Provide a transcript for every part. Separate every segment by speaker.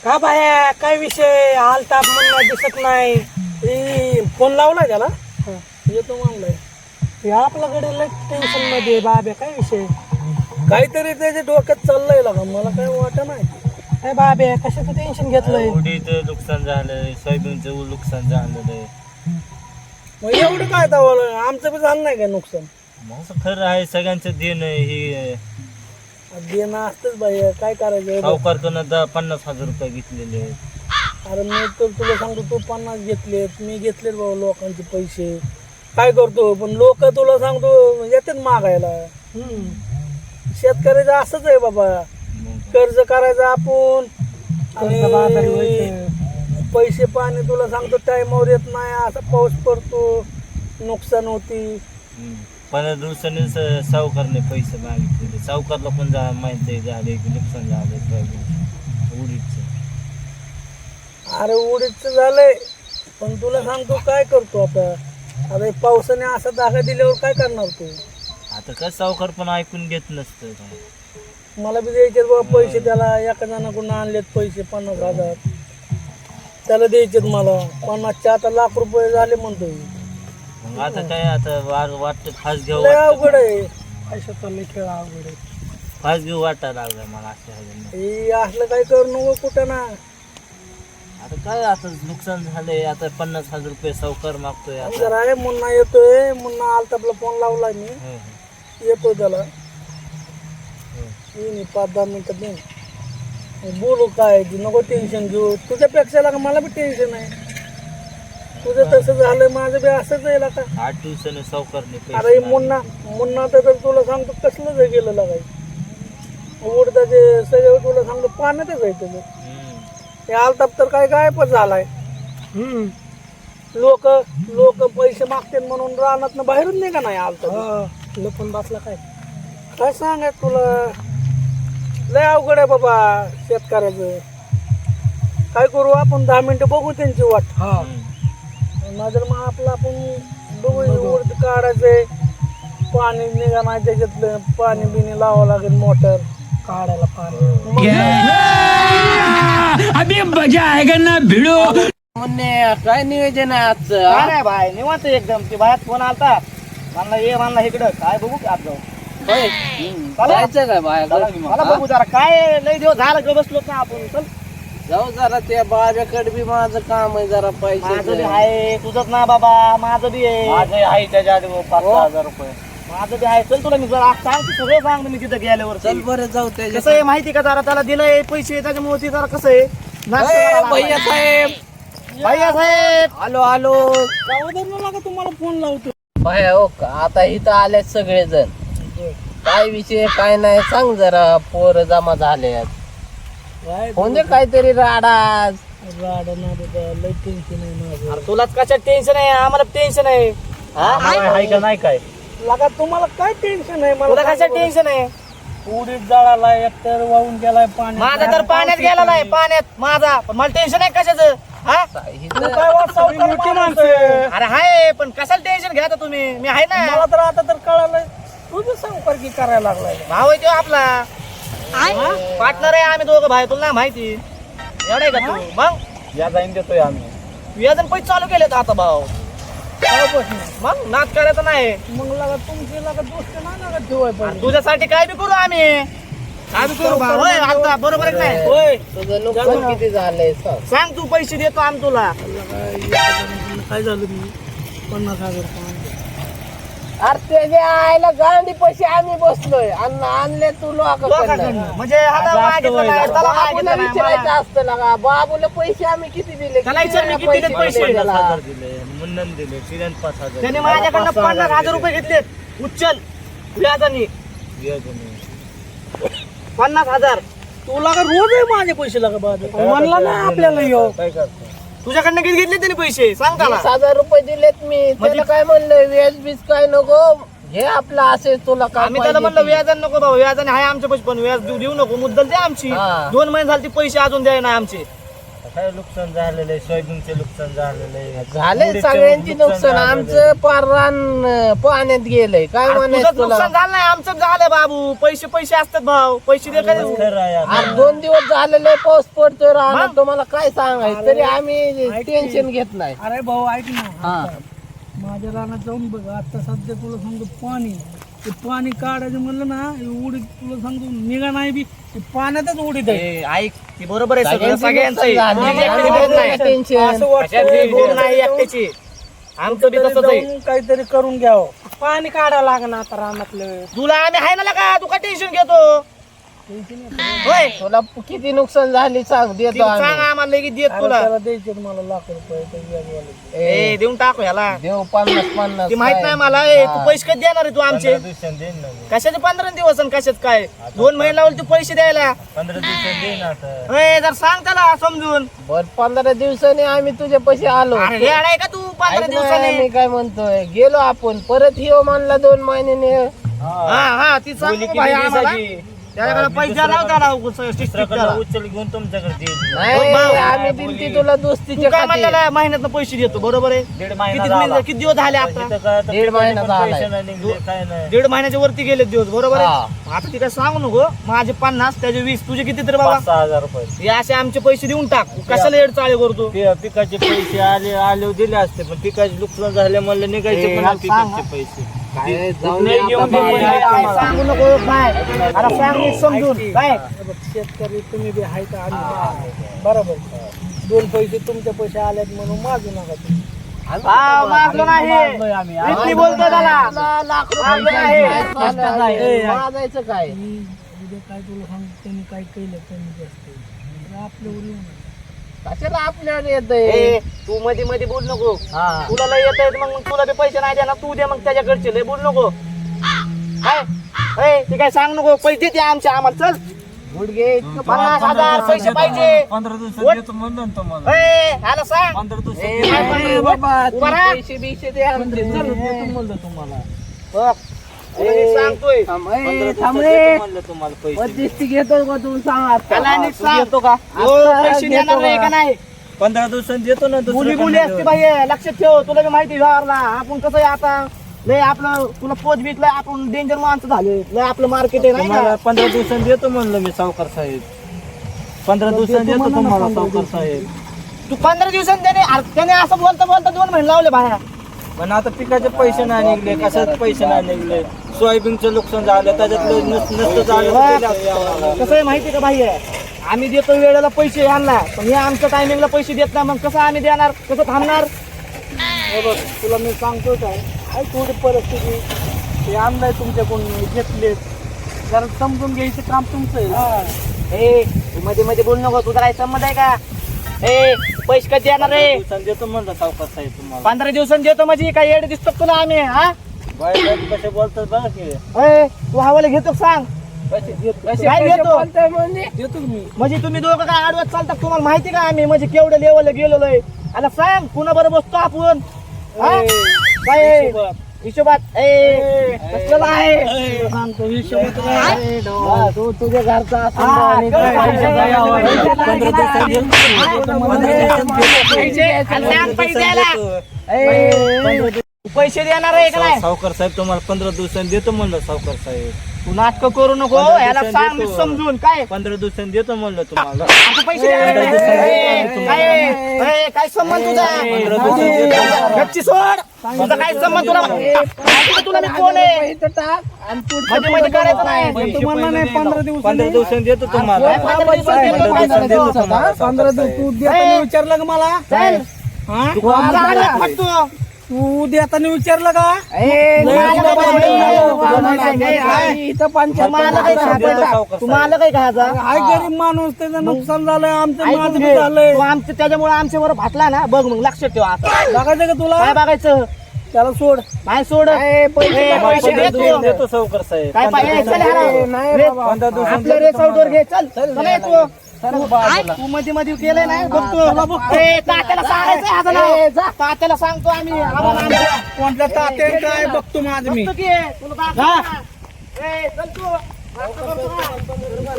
Speaker 1: हा बाया काय विषय हालताप म्हणून दिसत नाही. फोन लावलाय त्याला येतो म्हणलाय. हे आपल्याकडे लय टेन्शन मध्ये बाब्या काय विषय काहीतरी त्याच्या डोक्यात चाललंय का मला काय वाटत नाही. काय बाब्या कशाचं टेन्शन घेतलंय.
Speaker 2: उडीचं नुकसान झालंय, सोयाबीनचं नुकसान झालेलं.
Speaker 1: मग एवढं काय दावलं आमचं बी झालं नाही काय नुकसान.
Speaker 2: मग खरं आहे सगळ्यांचं देणं हे
Speaker 1: देणं असतंच बाई काय करायचं.
Speaker 2: सावकारकडनं 50,000 रुपये घेतलेले.
Speaker 1: अरे मी तर तुला सांगतो तू 50 घेतलेत मी घेतलेत बाबा लोकांचे पैसे काय करतो पण लोक तुला सांगतो येतात मागायला. शेतकऱ्याचं असंच आहे बाबा कर्ज करायचं आपण आणि पैसे पाणी तुला सांगतो टाइमवर येत नाही. असा पाऊस पडतो नुकसान होती.
Speaker 2: 15 दिवसांनी सावकारने पैसे मागितले. सावकारला पण माहिती झाले की नुकसान झालंय सोयाबीन उडीदचं.
Speaker 1: अरे उडीदचं झालंय पण तुला सांगतो काय करतो आता. अरे पावसाने असा धागा दिल्यावर काय करणार तू.
Speaker 2: आता काय सावकार पण ऐकून घेत नसतं काय.
Speaker 1: मला बी द्यायचे बाबा पैसे त्याला एका जणाकडून आणलेत पैसे 50,000 त्याला द्यायचेत मला 50चे आता लाख रुपये झाले म्हणतोय.
Speaker 2: मग आता काय आता वाटतं फास घेऊ
Speaker 1: लय अवघड आहे पैशाचा लय खेळ अवघड आहे.
Speaker 2: फास घेऊ वाटायला लागलं मला असं.
Speaker 1: हे असलं काय करू नको कुठं ना.
Speaker 2: आता काय आता नुकसान झालंय. आता 50,000 रुपये सावकार मागतोय. आता
Speaker 1: जरा आहे मुन्ना येतोय. मुन्ना आलतापला फोन लावलाय मी येतो त्याला येईन 5-10 मिनिटात येईन बोलू काय नको टेन्शन घेऊ. तुझ्यापेक्षा लागा मला बी टेन्शन आहे. तुझं तसं झालं माझं बी असंच आहे का.
Speaker 2: 8 दिवसाने सावकारने
Speaker 1: अरे मुन्ना तर तुला सांगतो कसलं जर गेलं लागाय उडदाचे सगळे तुला सांगतो पाण्यातच आहे त्याचं. हे आलताप तर काय गायबच झालाय. लोक पैसे मागते म्हणून रानात बाहेरून नाही का नाही आलताप लपून बसला काय काय सांगाय तुला. लय अवघड आहे बाबा शेतकऱ्याचं. काय करू आपण 10 मिनिटं बघू त्यांची वाट. नजर मग आपलं आपण बघू उडद काढायचंय. पाणी निघा नाही त्याच्यातलं पाणी बिणी लावावं लागेल मोटर काढायला पाणी.
Speaker 3: अभी मजा आएगा ना भिड़ो.
Speaker 4: म्हणणे काय नियोजन आहे आजचं.
Speaker 1: काय नाही भाई निवांत एकदम ती बाहेर फोन आलता म्हणला इकडं काय बघू की आज जाऊ.
Speaker 4: जायचं काय बाहेर
Speaker 1: मला बघू जरा काय लय दिवस झालं ग बसलो ना आपण. चल
Speaker 4: जाऊ जरा त्या बाब्याकडे बी माझं काम आहे जरा
Speaker 1: माझं बी
Speaker 4: पैसे.
Speaker 1: आहे तुझंच ना बाबा माझं बी आहे.
Speaker 2: माझे आहे त्याच्या आधी 5,000 रुपये.
Speaker 1: माझं बी आहे. चल तुला मी जरा सांग सगळं सांग मी तिथं गेल्यावर.
Speaker 4: चल बरं जाऊ
Speaker 1: कसं
Speaker 4: त्याच्या.
Speaker 1: आहे माहिती का जरा त्याला दिलंय पैसे त्याच्यामुळे ते जरा कसं आहे नाश्ता करायला
Speaker 4: भैया
Speaker 1: लागलाय.
Speaker 4: साहेब
Speaker 1: भैया साहेब
Speaker 4: आलो आलो.
Speaker 1: लागा तुम्हाला फोन लावतो.
Speaker 4: भैया हो का आता इथं आले सगळेजण. काय विषय काय नाही सांग जरा. पोर जमा झाले म्हणजे काहीतरी राडाच.
Speaker 1: लय टेन्शन आहे माझं. तुलाच कशा टेन्शन आहे आम्हाला टेन्शन आहे.
Speaker 2: आहे का नाही काय
Speaker 1: लगा तुम्हाला काय टेन्शन आहे मला
Speaker 5: कशा टेन्शन आहे.
Speaker 1: उडीद जळाला एकतर वाहून गेलाय पाण्यात.
Speaker 5: माझा तर पाण्यात गेला नाही पाण्यात माझा पण मला टेन्शन आहे कशाचं. हा
Speaker 1: तू काय वाट सावकार माणूस आहे.
Speaker 5: अरे हाय पण कशाला टेन्शन घ्या तुम्ही. मी आहे ना
Speaker 1: मला तर आता तर कळालंय तुझं सावकारकी करायला लागलाय.
Speaker 5: भाऊ आहे तो आपला पार्टनर आहे आम्ही दोघं भाई. तुला नाही माहिती एवढं आहे का तू. मग
Speaker 2: या जाईन देतोय आम्ही.
Speaker 5: व्याजन पैसे चालू केलेत आता भाऊ. मग नाच करायचं नाही.
Speaker 1: मग लगा तुमची लगा दोस्त नाही लगा ठेवाय पाहिजे.
Speaker 5: तुझ्यासाठी काय बी करू आम्ही. काय बी करू भाऊ. होय आता बरोबर आहे की नाही.
Speaker 1: होय
Speaker 4: तुझं नुकसान किती झालंय सांग.
Speaker 5: सांग तू पैसे देतो आम्ही तुला.
Speaker 1: काय झालं मी 50,000
Speaker 4: अरे त्याच्या आईला गांडी पैसे आम्ही बसलोय आणि आणले तू लोकांकडनं.
Speaker 5: म्हणजे हाता मागितलं नाही, त्याला
Speaker 4: बाबूला
Speaker 5: मागितलं नाही
Speaker 4: विचारायचं
Speaker 5: मला.
Speaker 4: असतं ना बाबूला पैसे आम्ही किती दिले.
Speaker 5: त्याला विचार मी किती दिले पैसे.
Speaker 4: दिले त्याला?
Speaker 2: 50,000 दिले. मुन्नन दिले. तिऱ्यान 5,000
Speaker 5: त्याने माझ्याकडनं 50,000 रुपये घेतलेत उच्चल व्याजाने. 50,000
Speaker 1: तुला का रोज आहे माझे पैसे लगा बाद म्हणला नाही आपल्याला यो.
Speaker 2: काय करतो.
Speaker 5: तुझ्याकडनं किती घेतले त्याने पैसे सांग त्याला.
Speaker 4: 20,000 रुपये दिलेत मी. त्याला काय म्हणलं व्याज बीज काय नको हे आपलं असेल तुला काय
Speaker 5: आम्ही त्याला म्हणलं व्याजाने नको भाऊ व्याजाने आहे आमचे पैसे पण व्याज देऊ नको मुद्दल द्या आमची.
Speaker 4: हा.
Speaker 5: 2 महिने झाले ते पैसे अजून द्याय नाही आमचे.
Speaker 2: काय नुकसान झालेलं आहे, सोयाबीनचे नुकसान झालेलं आहे,
Speaker 4: झाले
Speaker 2: तुरीचं
Speaker 4: सगळ्यांची नुकसान
Speaker 2: झालेलं आहे.
Speaker 4: आमचं पार रान पाण्यात गेलंय काय
Speaker 5: तुझं
Speaker 4: म्हणायचं तुला
Speaker 5: नुकसान झालं नाही आमचं झालं बाबू. पैसे असतात भाऊ, पैसे दे काय
Speaker 2: खरं आहे आता.
Speaker 4: आज 2 दिवस झालेले पाऊस पडतोय राहणार
Speaker 5: मग?
Speaker 4: तुम्हाला काय सांगायचं तरी आम्ही टेन्शन घेत नाही
Speaker 1: अरे भाऊ ऐक ना
Speaker 4: हा.
Speaker 1: माझ्या रानात जाऊन बघ आता सध्या तुला सांगतो पाणी ते पाणी काढायचं म्हणलं ना हे उडीत तुला सांगतो निघा नाही बी ते पाण्यातच उडीत आहे.
Speaker 5: ए, ऐक ती बरोबर आहे सगळं
Speaker 4: सगळ्यांची
Speaker 5: सगळ्यांचं आहे.
Speaker 4: नुकसान झाली.
Speaker 5: तुझी एकट्याची बोल नाही.
Speaker 4: टेन्शन
Speaker 1: असं वाटतं
Speaker 5: कशाची बोल नाही एकट्याची. आमचं बी तसंच आहे.
Speaker 1: जाऊन काहीतरी करून घ्यावं पाणी काढावं लागणार आता रानातलं
Speaker 5: तुला आम्ही आहे ना का तू काय टेन्शन घेतो होय
Speaker 4: तुला किती नुकसान झाली सांग
Speaker 5: ती
Speaker 4: देतो
Speaker 5: सांग
Speaker 4: आम्ही
Speaker 5: आम्हाला लगेच देत
Speaker 1: अरे
Speaker 5: तुला
Speaker 1: त्याला द्यायचे मला ₹1,00,000 ते व्याजवाले.
Speaker 5: ए देऊन टाकू ह्याला
Speaker 4: देऊ 50-50
Speaker 5: ती माहित नाही मला ए तू पैसे कधी देणार आहे तू आमचे
Speaker 2: 15 दिवसांनी देईन ना मी.
Speaker 5: कशाचे 15 दिवस आणि कशात काय 2 महिने लावले तू पैसे द्यायला
Speaker 2: 15 दिवसांनी देईन आता.
Speaker 5: ए जर सांग त्याला समजून
Speaker 4: बर 15 दिवसांनी आम्ही तुझ्या पैसे आलो
Speaker 5: अरे हे आहे का तू 15
Speaker 4: ऐक ना,
Speaker 5: दिवसांनी
Speaker 4: मी काय म्हणतोय गेलो आपण परत येऊ म्हणला 2 महिन्याने
Speaker 5: हा हा ती सांग
Speaker 2: बोली
Speaker 5: भाई
Speaker 2: किती
Speaker 5: आम्हाला
Speaker 2: दिवसाची?
Speaker 5: त्याच्याकडे
Speaker 2: मी
Speaker 5: पैसे
Speaker 2: दुसऱ्याकडे-
Speaker 5: लावता
Speaker 2: दुसऱ्याकडे उचल घेऊन तुमच्याकडे देईन.
Speaker 4: नाही
Speaker 5: भाऊ,
Speaker 4: आम्ही दिलती तुला
Speaker 5: तू
Speaker 4: दोस्तीच्या
Speaker 5: काय
Speaker 4: खाती.
Speaker 5: म्हणलेला महिन्यात पैसे देतो बरोबर आहे
Speaker 2: 1.5 महिना
Speaker 5: किती
Speaker 2: झाला.
Speaker 5: महिने- किती दिवस झाले आता
Speaker 2: इथं काय आता
Speaker 4: 1.5 महिना
Speaker 2: पिकाचे पण
Speaker 4: झालाय.
Speaker 2: पैसे नाही निघले, काय नाही.
Speaker 5: 1.5 महिन्याच्या वरती गेले दिवस बरोबर आहे आता ती काय सांगू नको माझे 50 त्याचे 20 तुझे किती तर बाबा
Speaker 2: 5,000 रुपये
Speaker 5: हे असे आमचे पैसे देऊन टाक कशाला येड चाळे करतो
Speaker 2: पिकाचे पैसे आले दिले असते पण पिकाचे नुकसान झाले म्हणलं निघायचे
Speaker 5: ए,
Speaker 2: पण
Speaker 5: याला सांग,
Speaker 2: पिकाचे पैसे
Speaker 4: काय जाऊन
Speaker 2: नाही
Speaker 4: दे
Speaker 2: घेऊन
Speaker 4: आता
Speaker 2: दे,
Speaker 4: बाहेर.
Speaker 2: नाही
Speaker 5: काय
Speaker 2: आम्हाला.
Speaker 5: सांगू नको काय अरे सांग नीट समजून काय
Speaker 1: हे बघ, शेतकरी तुम्ही बी आहे का आम्ही बरोबर 2 पैसे तुमचे पैसे आलेत म्हणून माजू नका तुम्ही
Speaker 5: हा मागलो नाही इतकी बोलतो त्याला
Speaker 4: लाख
Speaker 5: मागलो
Speaker 4: रुपये
Speaker 5: नाही.
Speaker 4: काय चाललं आहे? माझायचं काय
Speaker 1: मी उद्या काय तुला सांग त्यांनी काय केलं त्यांनी जास्त आपल्यावर येऊ नका.
Speaker 4: कशाला आपल्यावर
Speaker 5: ए,
Speaker 4: येतंय
Speaker 5: तू मध्ये मध्ये बोल नको
Speaker 4: हा
Speaker 5: तुला लय येत आहेत मग तुला बी पैसे नाही देणार तू दे मग त्याच्याकडचे लय बोल नको काय ए, ते काय सांग नको पैसे दे आमचे आम्हाला चल
Speaker 4: गुडघे
Speaker 5: 50,000 पैसे पाहिजे
Speaker 2: 15 दिवसात
Speaker 5: वट.
Speaker 2: देतो म्हणलं ना तुम्हाला.
Speaker 5: ए, ह्याला सांग
Speaker 2: 15 दिवसात
Speaker 4: ए,
Speaker 2: देतो.
Speaker 5: काय
Speaker 4: बाबा
Speaker 5: उभा राहा.
Speaker 4: पैसे बिशे दे आमचे चल
Speaker 2: देतो म्हणलं तुम्हाला.
Speaker 5: बघ, तुला मी सांगतोय
Speaker 2: 15 दिवसात
Speaker 4: थांब
Speaker 2: देतो म्हणलं तुम्हाला पैसे.
Speaker 4: मध्यस्थी घेतो का तू सांग
Speaker 5: त्याला
Speaker 4: आता
Speaker 5: नीट सांग
Speaker 2: देतो का?
Speaker 5: हो, पैसे देणार नाही का नाही
Speaker 2: 15 दिवसांनी देतो ना दुसरं
Speaker 5: मुली
Speaker 2: काय
Speaker 5: मुली
Speaker 2: नाही
Speaker 5: असते
Speaker 2: देत.
Speaker 5: भाई लक्षात ठेव तुला बी माहिती व्यवहारला आपण कसं आहे आता लय आपलं तुला पोच बिकलंय आपण डेंजर माणसं झाले लय आपलं मार्केट आहे नाही
Speaker 2: तुम्हाला
Speaker 5: का
Speaker 2: 15 दिवसांनी देतो म्हणलं मी सावकार साहेब 15 दिवसांनी देतो तुम्हाला सावकार साहेब.
Speaker 5: तू 15 दिवसांनी त्याने असं बोलता बोलता 2 महिने लावले बाहेर
Speaker 2: पण आता पिकाचे पैसे नाही निघले कशाचे पैसे नाही निघले सोयाबीनचं नुकसान झालं त्याच्यातलं नसतं झालं तर दिलं असतं आम्हाला.
Speaker 5: कसं आहे माहिती का भाई आम्ही देतो वेळेला पैसे यांना पण हे आमच्या टायमिंगला पैसे देत नाही मग कसं आम्ही देणार कसं थांबणार
Speaker 1: हे बघ तुला मी सांगतो काय आहे थोडी परिस्थिती ते आणलंय तुमच्याकडून घेतले जरा समजून घ्यायचं काम तुमचं आहे ना.
Speaker 5: ए तू मध्ये मध्ये बोल नको तुझा काय संमत आहे का ए पैसे कधी देणार
Speaker 2: 15
Speaker 5: रे
Speaker 2: दिवसांनी देतो म्हणलं सावकार साहेब तुम्हाला
Speaker 5: 15 दिवसांनी देतो म्हणजे काय येड दिसतो तुला आम्ही हा
Speaker 2: बाहेर कसे बोलतात बघा की
Speaker 5: ए तू हवाले घेतो का सांग काय घेतो
Speaker 1: देतो की मी
Speaker 5: म्हणजे तुम्ही दोघं काय आडवत चालतात तुम्हाला माहिती का आम्ही म्हणजे केवढ्या लेवलला गेलेलोय आता सांग कुणा बरोबर बसतो आपण हा? काय
Speaker 1: हिशोबात.
Speaker 5: हिशोबात ए कसलं आहे
Speaker 1: तुला सांगतो हिशोबात काय.
Speaker 4: तू तुझ्या घरचा असून
Speaker 5: हा,
Speaker 4: आणि काय
Speaker 5: काय
Speaker 4: पैसे
Speaker 5: काय
Speaker 4: द्यावं?
Speaker 5: काय
Speaker 2: 15 दिवसांनी देतो. 15 दिवसांनी
Speaker 5: पैसे आणि सांग पैसे द्यायला
Speaker 2: देतो.
Speaker 5: पैसे देणार आहे का नाही
Speaker 2: सावकार साहेब तुम्हाला 15 दिवसांनी देतो म्हणलं सावकार साहेब
Speaker 5: तू नाटक करू नको
Speaker 2: 15
Speaker 5: याला
Speaker 2: दिवसांनी
Speaker 5: सांग मी
Speaker 2: देतो.
Speaker 5: समजून काय
Speaker 2: 15 दिवसांनी देतो म्हणलं तुम्हाला
Speaker 5: आता पैसे देणार नाही. काय संबंध तुझा
Speaker 2: 15 दिवसांनी देतो.
Speaker 5: गच्ची सोड तुझा काय संबंध तुला माहिती का तुला मी कोण आहे
Speaker 4: इथं टाक आणि पुढचं
Speaker 5: मध्ये मध्ये करायचं नाही
Speaker 1: पण तुम्हाला नाही 15
Speaker 2: 15
Speaker 1: दिवसांनी
Speaker 2: दिवसांनी देतो तुम्हाला
Speaker 5: काय 15 दिवसांनी देतो,
Speaker 2: 15 दिवसांनी देतो
Speaker 5: काय
Speaker 2: तुम्हाला
Speaker 1: 15 दिवस तू देताना विचारलं का मला
Speaker 5: चल
Speaker 1: हा
Speaker 5: तू आला फटतो.
Speaker 1: तू देताना विचारलं का
Speaker 5: तुम्हाला काय
Speaker 2: सावकार
Speaker 5: तुम्हाला काय खायचा
Speaker 1: हाय गरीब माणूस त्याचं नुकसान झालंय आमचं
Speaker 5: ऐकून
Speaker 1: माझं बी
Speaker 5: घे.
Speaker 1: झालंय
Speaker 5: तू आमच्या त्याच्यामुळे आमच्यावर फाटला ना बघ मग लक्षात ठेव आता
Speaker 1: बघायचं का तुला
Speaker 5: काय बघायचं
Speaker 1: त्याला सोड
Speaker 5: नाही सोड
Speaker 4: पैसे
Speaker 5: ए, पैसे
Speaker 2: 15
Speaker 5: देतो.
Speaker 2: दिवसांनी देतो सावकार साहेब
Speaker 5: काय पाहिजे चल हरा.
Speaker 4: नाही
Speaker 5: रे,
Speaker 4: बाबा.
Speaker 2: 15 दिवसांनी
Speaker 5: आपलं
Speaker 2: देतो
Speaker 5: रेस आउटवर
Speaker 2: तुम्हाला.
Speaker 5: घे चल चल ये तू मध्ये मध्ये केलंय ना बघतो ए, तात्याला सांगायचं आता ना तात्याला सांगतो आम्ही आम्हाला आमच्या.
Speaker 1: कोणत्या तात्या काय बघतो माझं मी
Speaker 5: बघतो की तुला दाखवतो ना. ए, चल तू.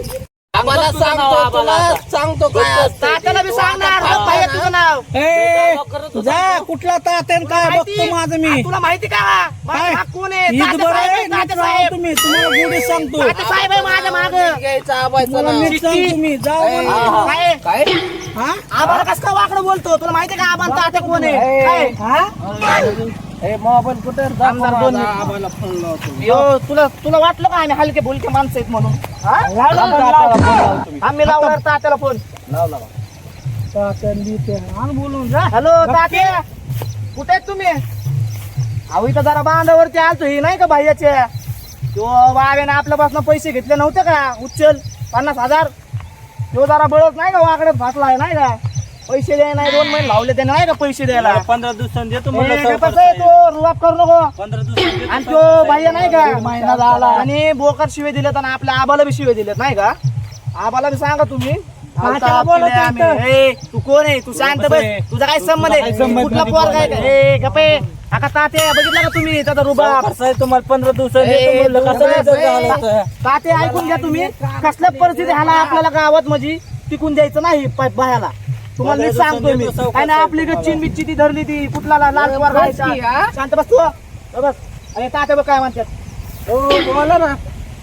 Speaker 4: आम्हाला सांगतो तुला सांगतो काय
Speaker 5: तात्याला बी सांगणार बघ भैया तुझं नाव
Speaker 1: ए, जा कुठला तात्यान काय बघतो माझं मी
Speaker 5: तुला माहिती का माझा
Speaker 1: काय?
Speaker 5: भाग कोण आहे
Speaker 1: ईद
Speaker 5: तात्या
Speaker 1: बरं
Speaker 5: साहेब
Speaker 1: आहे,
Speaker 5: आहे,
Speaker 1: नीट
Speaker 5: तात्या
Speaker 1: राहा
Speaker 5: साहेब
Speaker 1: तुम्ही तुम्हाला गोडी सांगतो
Speaker 5: तात्या साहेब आहे माझ्या माग
Speaker 4: घ्यायचं आबायचं
Speaker 1: मला
Speaker 4: नाव.
Speaker 1: नीट सांग तुम्ही जाऊ
Speaker 5: काय
Speaker 4: काय
Speaker 1: हा
Speaker 5: आम्हाला कसं काय वाकडं बोलतो तुला माहिती का आम्हाला तात्या कोण आहे काय?
Speaker 4: ए मोबाईल कुठे
Speaker 5: आमदार दोन यो तुला वाटलं का आम्ही हलके बोलके माणसं आहेत म्हणून हा? आम्ही लावणार तात्याला फोन
Speaker 1: तात्यान देते आण बोलून जा
Speaker 5: हॅलो तात्या कुठे आहेत तुम्ही अहो इथं जरा बांधावरती आलतो ही नाही का भाईयाच्या तो बाब्याने आपल्यापासून पैसे घेतले नव्हते का उच्चल 50,000 तो जरा बळत नाही का वाकड्यात फासलाय नाही का पैसे द्याय नाही 2 महिने लावले त्याने नाही का पैसे द्यायला
Speaker 2: 15 दिवसांनी देतो
Speaker 5: ए,
Speaker 2: म्हणलं
Speaker 5: कसं
Speaker 2: सावकार
Speaker 5: आहे
Speaker 2: साहेब.
Speaker 5: तो रुबाब करू नको
Speaker 2: 15 दिवसांनी देतो
Speaker 5: आणि तो भैया नाही का महिना झाला आणि बोकर शिवे दिलेत आणि आपल्या आबाला बी शिवे दिलेत नाही का आबाला बी सांगा तुम्ही
Speaker 1: तात्याला बोलवतो
Speaker 5: आम्ही.
Speaker 1: इथं.
Speaker 5: ए, तू कोण आहे तू शांत बस तुझा काय संबंध आहे कुठला पोर काय ए गप्पे आका तात्या बघितलं का तुम्ही त्याचा रुबाब
Speaker 2: सावकार साहेब तुम्हाला 15 दिवसांनी
Speaker 5: ए,
Speaker 2: देतो म्हणलं कसं नाही
Speaker 5: बस,
Speaker 2: देत झालं होतं.
Speaker 5: तात्या ऐकून घ्या तुम्ही कसल्या परिस्थिती हाला आपल्याला गावात म्हणजे टिकून द्यायचं नाही बायाला तुम्हाला नीट सांगतोय मी काय ना आपली गच्चीन बिच्ची ती धरली ती कुठला लाल पोर खायचा शांत बस तू बस अरे तात्या बघ काय म्हणतात
Speaker 1: बोला ना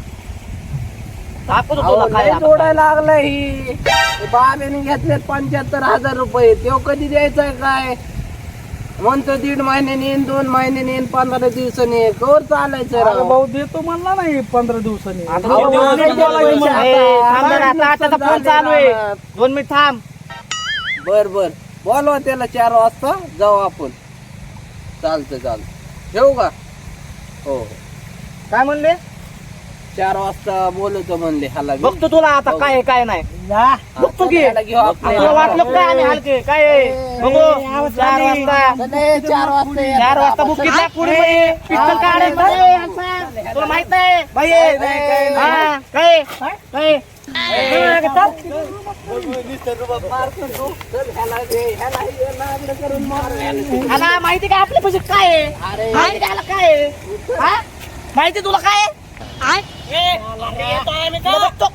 Speaker 5: दाखवतो तुला काय आता.
Speaker 4: जोडायला लागलाय ही बाब्याने घेतलेत 75,000 रुपये तो कधी द्यायचा काय म्हणतो 1.5 महिन्याने येईन 2 महिन्याने येईन 15 दिवसांनी येईन. कवर चालायचं
Speaker 1: अरे
Speaker 4: राव
Speaker 1: भाऊ देतो म्हणला नाही 15 दिवसांनी
Speaker 5: आता
Speaker 1: भाऊ,
Speaker 5: दोन
Speaker 1: नीट
Speaker 5: मिनिट
Speaker 1: बोलायचं
Speaker 5: बोलायचं.
Speaker 1: मला.
Speaker 5: ए, थांब जरा, तात्याचा फोन चालू आहे 2 मिनिट थांब
Speaker 4: बर बोलवा त्याला 4 वाजता जाऊ आपण चालतं ठेवू का हो
Speaker 5: काय म्हणले
Speaker 4: 4 वाजता बोलवतो म्हणले हाला घेऊन.
Speaker 5: बघतो तुला आता काय आहे, काय नाही
Speaker 1: जा.
Speaker 5: बघतो की
Speaker 4: त्याला घेऊ आपल्या.
Speaker 5: आपल्याला वाटलं काय आम्ही हलके काय आहे? बघू 4 वाजता
Speaker 4: चले, 4 वाजता ये.
Speaker 5: 4 वाजता बुक किती पुढे पिस्तल काढायचं ए, हलसा. तुला माहित नाही बाई हा, काय काय ह्याला माहिती का आपल्या पैसे काय आहे माहिती का ह्याला काय आहे हा? माहिती तुला काय आहे? ए, येतो आहे मी तुला बघतो.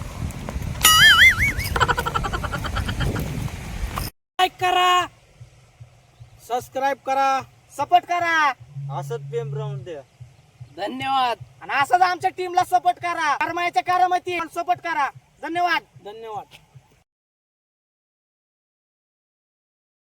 Speaker 1: लाईक करा सबस्क्राईब करा
Speaker 5: सपोर्ट करा
Speaker 2: असंच प्रेम राहून द्या.
Speaker 4: धन्यवाद
Speaker 5: आणि असंच आमच्या टीमला सपोर्ट करा करमायच्या करामती सपोर्ट करा धन्यवाद
Speaker 1: धन्यवाद